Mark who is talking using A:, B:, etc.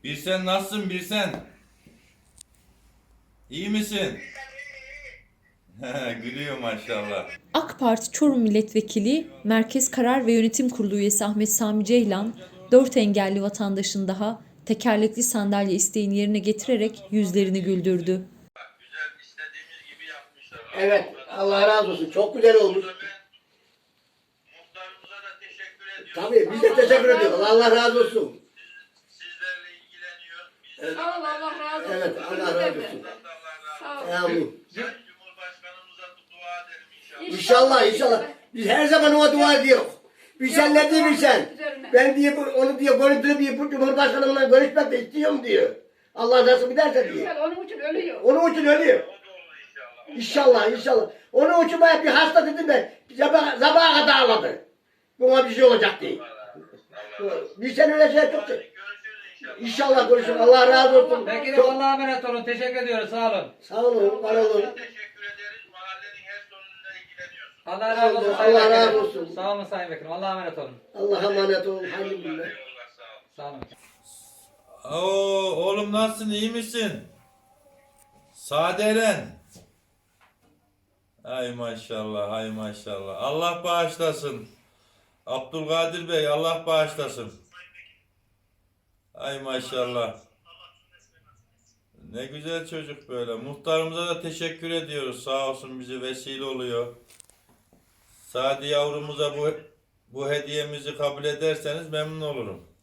A: Birsen nasılsın Birsen? İyi misin? Gülüyor maşallah.
B: AK Parti Çorum Milletvekili, Merkez Karar ve Yönetim Kurulu üyesi Ahmet Sami Ceylan, 4 engelli vatandaşın daha tekerlekli sandalye isteğini yerine getirerek yüzlerini güldürdü.
A: Güzel istediğimiz gibi yapmışlar.
C: Evet, Allah razı olsun. Çok güzel olmuş.
A: Muhtarımıza da teşekkür ediyoruz.
C: Tabii biz de teşekkür ediyoruz. Allah razı olsun.
A: Sizlerle ilgileniyor.
C: Evet,
D: Sağ ol, Allah razı olsun.
C: evet Allah razı olsun.
D: Sağ ol.
C: Amin.
A: Sayın Cumhurbaşkanımıza dua edelim inşallah.
C: İnşallah, inşallah. Biz her zaman ona dua ediyoruz. Bir sen ne diyor bir sen? Ben diye onu diyor görüntülü bir Cumhurbaşkanımla görüşmek de istiyorum diyor. Allah nasip ederse diyor.
D: Güzel, onun için ölüyor.
C: Onun için ölüyor.
A: O da olur inşallah.
C: İnşallah, inşallah. Onun için bana bir hasta dedim ben. Sabaha kadar ağladı. Buna bir şey olacak diye. Bir sen öyle şey çok
A: Görüşürüz inşallah.
C: İnşallah görüşürüz. Allah razı olsun.
E: Vekilim
C: Çok-
E: Allah'a emanet olun. Teşekkür ediyoruz. Sağ olun.
C: Sağ olun, var olun.
A: Teşekkür ederiz. Mahallenin her sorunuyla ilgileniyorsunuz.
E: Allah razı olsun.
C: Allah
E: Sayın
C: razı
E: Vekilim.
C: olsun.
E: Sağ olun Sayın Vekilim. Allah'a emanet olun.
C: Allah'a emanet olun. Hayırlı günler.
A: Eyvallah sağ olun.
E: Sağ olun.
A: Oo, oğlum nasılsın iyi misin? Sade Eren. Ay maşallah ay maşallah. Allah bağışlasın. Abdülkadir Bey Allah bağışlasın. Ay maşallah. Ne güzel çocuk böyle. Muhtarımıza da teşekkür ediyoruz. Sağ olsun bize vesile oluyor. Sadi yavrumuza bu hediyemizi kabul ederseniz memnun olurum.